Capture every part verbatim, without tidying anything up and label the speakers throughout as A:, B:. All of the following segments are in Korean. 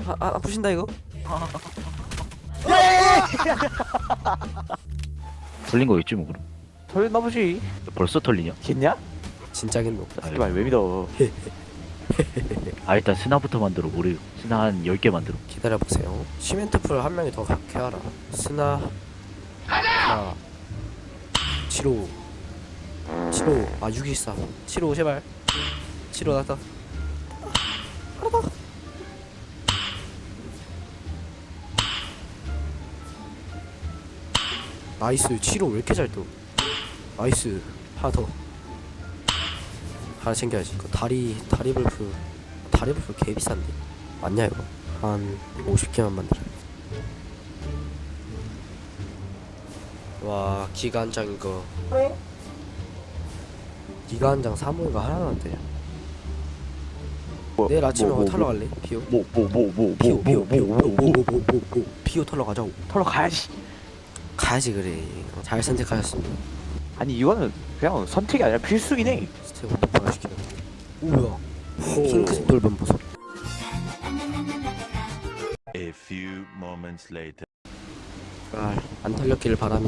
A: 아, 아 아프신다 이거?
B: 털린 거 있지 뭐 그럼.
C: 털렸나 보지.
B: 벌써 털리냐?
C: 겠냐?
A: 진짜겠노.
C: 씨발 왜 믿어?
B: 아 일단 스나부터 만들어. 우리 스나 한 열 개 만들어.
A: 기다려보세요. 시멘트 풀 한 명이 더 갖게 하라. 스나 하나 칠오 칠오 아 육이사 칠오 제발 칠오 나왔다. 알았다. 나이스. 칠오 왜 이렇게 잘 떠? 나이스. 하나 더. 하나 챙겨야지. 그 다리 다리 불프 다리 불프 개 비싼데 맞냐 이거? 한 오십 개만 만들어. 와 기가 한 장 이거. 기가 한 장 사모가 하나도 안 되냐?
C: 뭐,
A: 내일 아침에
C: 뭐,
A: 뭐,
C: 뭐,
A: 털러 갈래? 비오
C: 뭐 뭐 뭐 뭐
A: 비오
C: 뭐
A: 비오
C: 뭐
A: 비오
C: 뭐
A: 비오
C: 뭐
A: 비오 비오 비오 비오 비오 털러 가자고.
C: 털러 가야지.
A: 가야지 그래. 잘 선택하셨습니다.
C: 아니 이거는 그냥 선택이 아니라 필수긴 해.
A: 스테이크 오빠가 시키는. 오야. 핑크색 돌변 보소.
D: A few moments later.
A: 아, 안 털렸기를 바라며.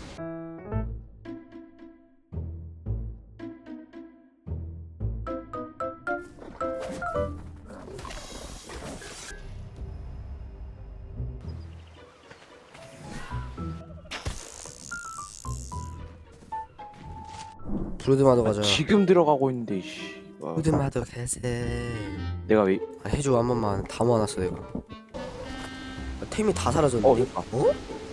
A: 브루드마도 가자.
C: 지금 들어가고 있는데 씨. 와,
A: 브루드마도 가세.
C: 내가 왜?
A: 아, 해줘 한 번만 다 모아놨어 내가. 아, 템이 다
C: 어,
A: 사라졌는데?
C: 아,
A: 어?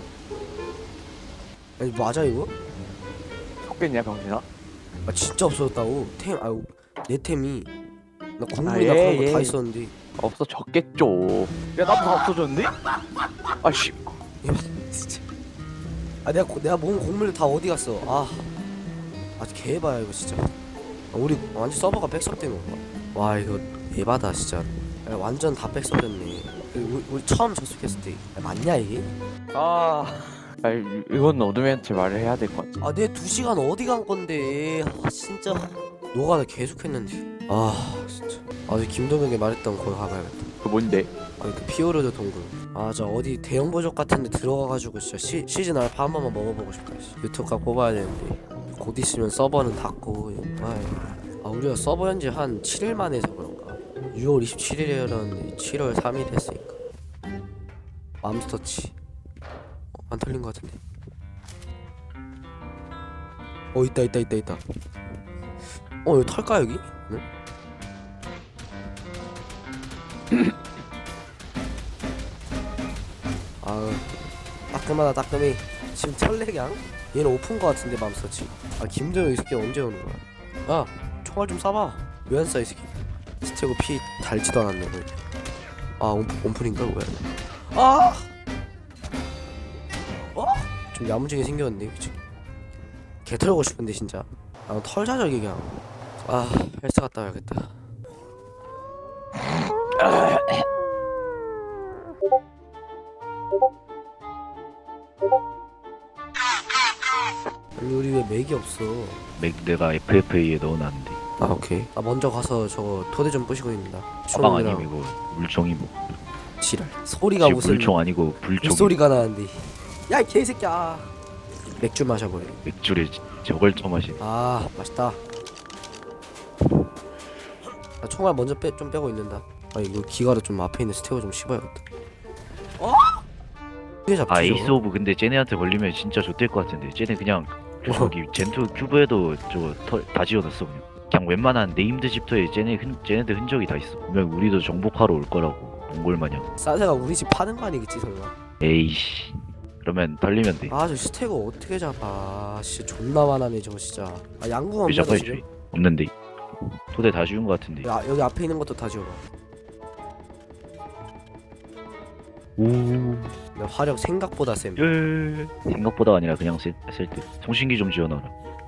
A: 아니 맞아 이거?
C: 속겠냐 병신아?
A: 아 진짜 없어졌다고. 템 아유 내 템이 나
C: 아,
A: 국물이나
C: 예,
A: 그런 거
C: 예.
A: 다 있었는데.
C: 없어졌겠죠. 야 나도 다 없어졌는데? 아씨.
A: 진짜. 아 내가 고, 내가 모은 곡물 다 어디 갔어? 아, 아 개봐야 이거 진짜. 아, 우리 완전 서버가 백섭된 건가? 와 이거 에바다 진짜. 야, 완전 다 백섭됐네. 우리, 우리 처음 접속했을 때 야, 맞냐 이게?
C: 아. 아 이건 어둠이한테 말을 해야 될 것 같아.
A: 아 내 두 시간 어디 간 건데? 아 진짜. 노가다 계속 했는데. 아 진짜. 아저 김동혁이 말했던 거기 가봐야겠다.
C: 그 뭔데?
A: 아니 그 피오르드 동굴. 아 저 어디 대형 보족 같은데 들어가가지고 진짜 시, 시즌 알파 한 번만 먹어보고 싶다. 씨. 유튜브가 뽑아야 되는데 곧 있으면 서버는 닫고. 아이. 아 우리가 서버 현지 한 칠 일 만에 해서 그런가. 유월 이십칠일이었는데 칠월 삼일 했으니까. 맘스터치. 어, 안 틀린 것 같은데. 어 있다 있다 있다 있다. 어 이거 털까 여기? 응? 아우 따끔하다 따끔해. 지금 철래량? 얘는 오픈 거 같은데 맘스터치. 아 김정은 이 새끼 언제 오는 거야? 야 총알 좀 쏴봐. 왜 안 쏴 이 새끼. 스테고 피 달지도 않았네 뭐. 아 온, 온풀인가 뭐야. 아! 어? 좀 야무지게 생겼는데 그치? 개 털고 싶은데 진짜. 아 털자 저기 그냥. 아 헬스 갔다 와야겠다. 아니 우리 왜 맥이 없어?
B: 맥 내가 에프에프에이에 넣어놨는데.
A: 아 오케이. 나 먼저 가서 저거 토대 좀 부시고 있습니다.
B: 가방 아니면 이거 물총이 뭐.
A: 지랄. 소리가
B: 지금
A: 무슨
B: 물총 아니고 불총.
A: 소리가 나는데. 야 이 개새끼야. 맥주 마셔버려.
B: 맥주를 저걸 처마시.
A: 아 맛있다. 나 총알 먼저 빼, 좀 빼고 있는다. 아 이거 기가로 좀 앞에 있는 스테고 좀 씹어야겠다. 어? 이게 잡히죠?
B: 아 에이스 오브 근데 쟤네한테 걸리면 진짜 좆될 것 같은데. 쟤네 그냥 저기 젠투 큐브에도 저 다 지어놨어 그냥. 그냥 웬만한 네임드 집터에 쟤네 흔 쟤네들 흔적이 다 있어. 분명 우리도 정복하러 올 거라고. 몽골 마냥.
A: 싸세가 우리 집 파는 거 아니겠지 설마?
B: 에이씨. 그러면 털리면 돼.
A: 아 저 스테고 어떻게 잡아? 아, 진짜 존나 많아네 저거 진짜. 아 양궁
B: 왜
A: 없냐 너
B: 잡아야지?
A: 지금?
B: 없는데. 토대 다 지운 것 같은데.
A: 야 여기 앞에 있는 것도 다 지워봐.
B: 오.
A: 나 화력 생각보다 쌤.
B: 예. 생각보다 아니라 그냥 쓸, 쓸 때. 통신기 좀 지어놔라.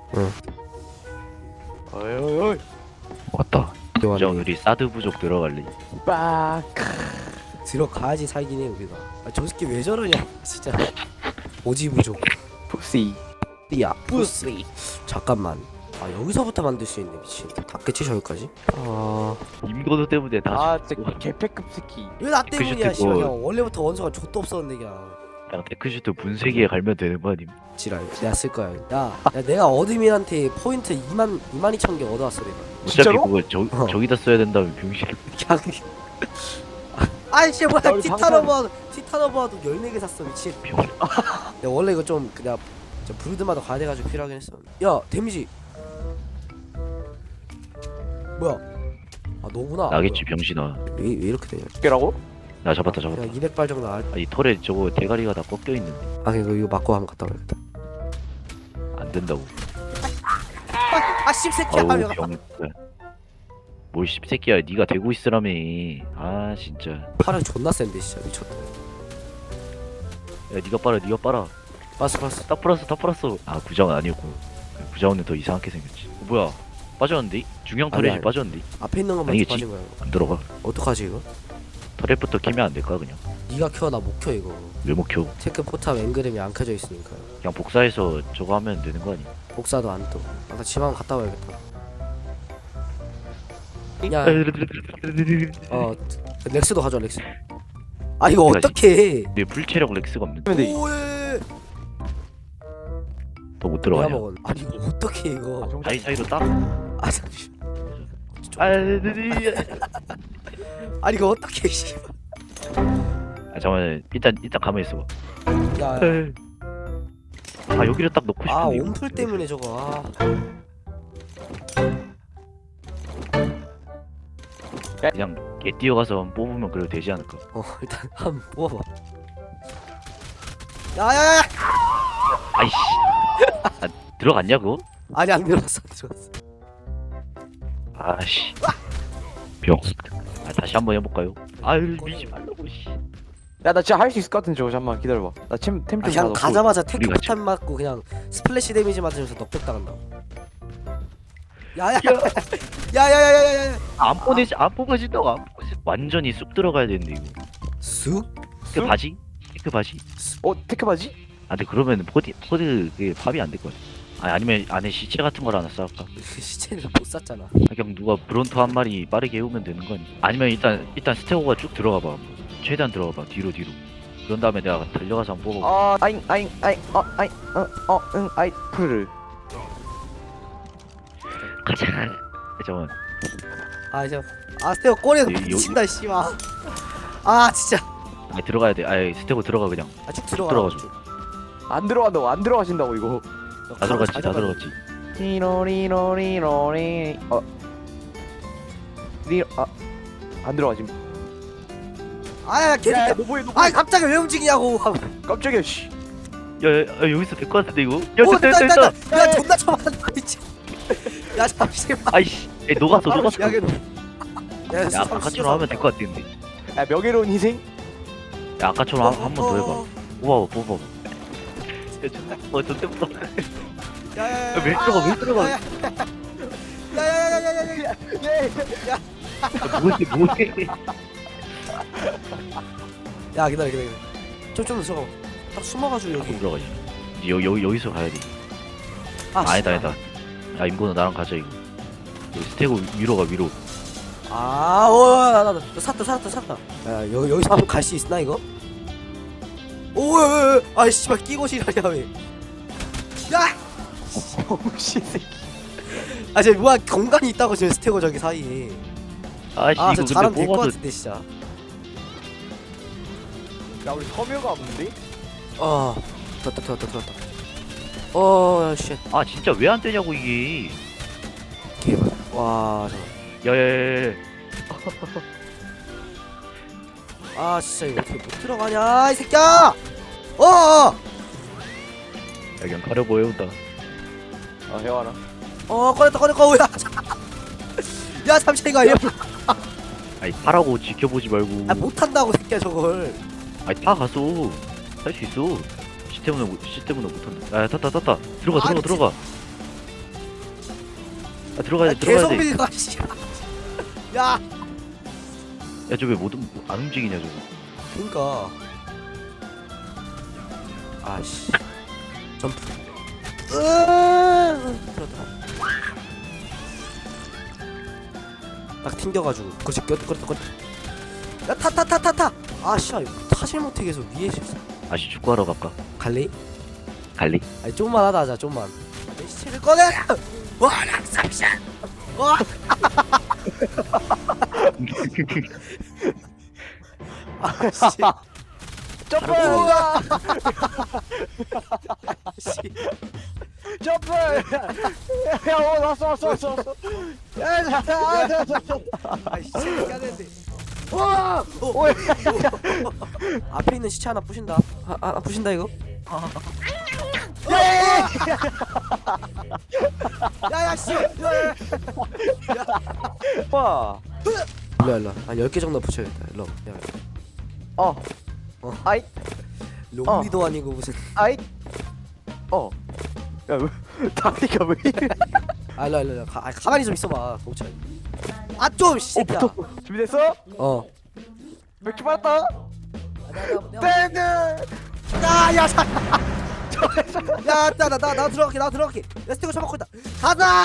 C: 어이 어이 어이.
B: 왔다. 저
A: 좋아하네.
B: 우리 사드 부족 들어갈래.
C: 빡.
A: 들어가야지 살긴 해 우리가. 아, 저 새끼 왜 저러냐 진짜. 오지 부족.
C: 푸시.
A: 야 부스. 잠깐만. 아 여기서부터 만들 수 있네 미친. 닿겠지 저기까지? 아
B: 임건우 때문에 다
C: 아 진짜 개패급 새끼.
A: 왜 나
B: 그
A: 때문이야
B: 슈트
A: 씨발.
B: 그거-
A: 그냥 원래부터 원소가 좆도 없었는데 그냥.
B: 그냥 데크슈트 분쇄기에 갈면 되는 거 아님?
A: 지랄 내가 쓸 거야. 야, 야 내가 어드민한테 포인트 이만 이만 이천 개 얻어왔어 내가.
B: 어차피
C: 진짜로?
B: 그거 저,
A: 어.
B: 저기다 써야 된다면 병신.
A: 그냥 아이씨 뭐야
C: 나 우리
A: 티타노버도 티타노버도 열네 개 샀어 미친.
B: 병신.
A: 야 원래 이거 좀 그냥 저 브루드마다 과대가지고 필요하긴 했어. 야 데미지 뭐야? 아 너구나.
B: 나겠지 병신아.
A: 왜, 왜 이렇게 되냐?
C: 개라고?
B: 나 잡았다 잡았다.
A: 그냥 이백 발 정도 알.
B: 아니 털에 저거 대가리가 다 꺾여 있는데
A: 아 이거 이거 맞고 한번 갔다 와야겠다.
B: 안 된다고.
A: 아 씹새끼야.
B: 아우 병. 뭘 씹새끼야. 네가 되고 있으라며. 아 진짜.
A: 팔은 존나 센데 진짜 미쳤다.
B: 야 네가 빨아 네가 빨아.
A: 봤어 봤어.
B: 딱 플러스 딱 플러스. 아 구자원 아니었고. 구자원은 더 이상하게 생겼지. 어, 뭐야? 빠졌는데? 중형
A: 아니,
B: 터렛이
A: 아니.
B: 빠졌는데?
A: 앞에 있는 것만
B: 아니겠지.
A: 빠진 거야.
B: 안 들어가.
A: 어떡하지 이거?
B: 터렛부터 키면 안 될까 그냥?
A: 네가 켜 나 못 켜 이거.
B: 왜 못 켜?
A: 테크 포탑 앵그램이 안 켜져 있으니까.
B: 그냥 복사해서 저거 하면 되는 거 아니?
A: 복사도 안 떠. 아, 나 집 한번 갔다 와야겠다. 야, 어 렉스도 가져와 렉스. 아 이거
B: 내가
A: 어떻게?
B: 내 불체력 렉스가 없는데
C: 근데
A: 오예.
B: 더 못
A: 내가
B: 들어가냐?
A: 먹은. 아니 이거 어떻게 이거?
B: 사이 사이로 딱.
A: 아 잠시.
B: 아,
A: 아니 이거 어떻게 씨.
B: 아 잠깐만 일단 일단 가만히 있어봐.
A: 야.
B: 아 여기를 딱 넣고 싶은데.
A: 아
B: 이거.
A: 온풀 때문에 저거. 아.
B: 그냥 개 뛰어가서 한번 뽑으면 그래도 되지 않을까?
A: 어 일단 한번 뽑아봐. 야야야.
B: 아이씨. 아, 들어갔냐 그거?
A: 아니 안 들어갔어 안 들어갔어.
B: 아씨. 병. 아 다시 한번 해볼까요? 아유 미지 말라고 씨.
C: 야 나 진짜 할 수 있을 것 같은 저거 잠깐만 기다려봐. 나템템좀
A: 아, 그냥 가자마자 테크
B: 우리가
A: 포탑 맞고 그냥 스플래시 데미지 맞으면서 넉백 당한다. 야야. 야야야야야야.
B: 안 보내지 안 뽑아진다고 안 뽑아지. 완전히 쑥 들어가야 되는데 이거.
A: 쑥?
B: 그 바지? 그 바지?
C: 어 테크 바지?
B: 아 근데 그러면 포디 포드 그게 밥이 안 될 거야. 아 아니면 안에 시체 같은 걸 하나 쌓을까?
A: 시체는 못 샀잖아.
B: 아, 그냥 누가 브론토 한 마리 빠르게 해오면 되는 거 아니야? 아니면 일단 일단 스테고가 쭉 들어가 봐. 최대한 들어가 봐. 뒤로 뒤로. 그런 다음에 내가 달려가서 한번 뽑아.
C: 아 아잉 아잉 아잉 어 아잉 어어응 아이 푸르르.
B: 가자. 잠깐만.
A: 아 이제 아 스테어 꼬리에서
B: 요- 요-
A: 미친다 씨발. 아 진짜.
B: 아 들어가야 돼. 아 스테고 들어가 그냥.
A: 아쭉
B: 쭉
A: 들어가.
B: 들어가죠.
C: 안 들어간다고 안 들어가신다고 이거.
B: 다 들어갔지. 다 들어갔지.
C: 리로리로리로리 어 리로 아안 들어가지.
A: 아야 개새끼야.
C: 너 뭐해 너
A: 아 갑자기 왜 움직이냐고.
C: 깜짝이야 씨.
B: 야, 야, 야 여기서 될 것 같은데 이거? 야
A: 오
B: 됐다
A: 됐다
B: 됐다
A: 됐다.
B: 됐다.
A: 야 존나 쳐맞는다 미친. 야 잠시만.
B: 아이씨. 야, 녹았어 녹았어.
A: 야
B: 야
A: 걔. 야
B: 아까처럼 하면 될 것 같은데.
C: 야 명예로운 희생?
B: 야 아까처럼 한 번 더 해봐. 뽑아봐 뽑아봐. 야 존나 어 존나 뽑아.
A: 야야야.
B: 왜 들어가 왜 들어가?
A: 야야야야야야.
B: 뭐해 뭐해?
A: 야 기다려 기다려. 좀좀 들어가. 딱 숨어가지고 여기.
B: 들어가지. 여기 여기 여기서 가야 돼.
A: 아
B: 아니다
A: 씨발.
B: 아니다. 야 임건우 나랑 가자 이거. 여기 스테고 위로 가 위로.
A: 아, 오, 나, 나, 나, 샀다, 샀다, 샀다. 야, 여기 여기서 한번 갈 수 있나 이거? 오, 아, 씨발 끼고 지랄이야 왜? 야,
C: 어우씨 새끼.
A: 아, 쟤 뭐야 공간이 있다고 지금 스테고 저기 사이에.
B: 아씨
A: 아,
B: 이거
A: 저 잘하면
B: 근데
A: 될 것
B: 뽑아도
A: 같은데 진짜.
C: 야 우리 섬유가 없는데?
A: 어, 들었다, 들었다, 들었다. 어, 쉣,
B: 아 진짜 왜 안 되냐고 이게.
A: 개발. 와, 잠깐.
B: 야야야야.
A: 아, 진짜 이거 어떻게 못 들어가냐, 이 새끼야! 어, 어,
B: 야 그냥 가려고 해온다.
C: 아 해와라.
A: 어, 꺼냈다, 꺼냈다, 어, 야, 야, 잠시 이거 아니야?
B: 아니 타라고 지켜보지 말고.
A: 아, 못한다고 새끼야 저걸.
B: 아니 타 가서 할 수 있어. 시 때문에 못- 시 때문에 못한다. 야 탔다 탔다. 들어가
A: 아,
B: 들어가
A: 미친.
B: 들어가. 아 들어가야
A: 아,
B: 돼 들어가야
A: 계속
B: 돼.
A: 밀가, 씨. 야,
B: 야 저 왜 못 안 움직이냐 저거.
A: 그러니까. 아씨. 점프. 으, 들었다. 딱 튕겨가지고 그렇지 끄떡끄떡 야타타타타타 아씨야 이거 타질 못해 계속 위에 있어.
B: 아씨 축구하러 갈까?
A: 갈래?
B: 갈리?
A: 아니 좀만 하다 하자 좀만. 내 시체를 꺼내. 와 락삼샷. 와. 아씨.
C: 점프!
A: 씨.
C: 점프! 야, 어, 왔어, 왔어, 왔어, 왔어. 야, 자, 자, 자, 자, 자.
A: 아이 시체 깨야 되는데. 와! 어, 어, 어, 어. 앞에 있는 시체 하나 부신다. 아, 아 부신다 이거. 야야 씨. 야야.
C: 와.
A: 일로 일로. 한 열 개 정도 붙여야겠다. 일로. 야.
C: 어.
A: 어.
C: 아이,
A: 롱리도 아니고 무슨.
C: 아이. 어. 야, 왜, 다리가 왜 이래?
A: 아 일로 일로. 가, 아, 가만히 좀 있어봐. 동철. 아좀 새끼야.
C: 어, 붙어. 준비됐어?
A: 어.
C: 몇 개 받았다?
A: 네.
C: 땡!
A: 야야 자. 야나나나 나 들어갈게 나 들어갈게. 내 스티커 쳐먹고 있다. 가자.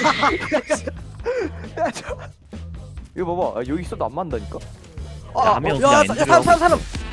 C: 야, 저. 이거 봐봐. 아, 여기 있어도 안 만다니까?
B: 야, 한 명
A: 야,
B: 그냥
A: 야, 사람, 사람, 사람.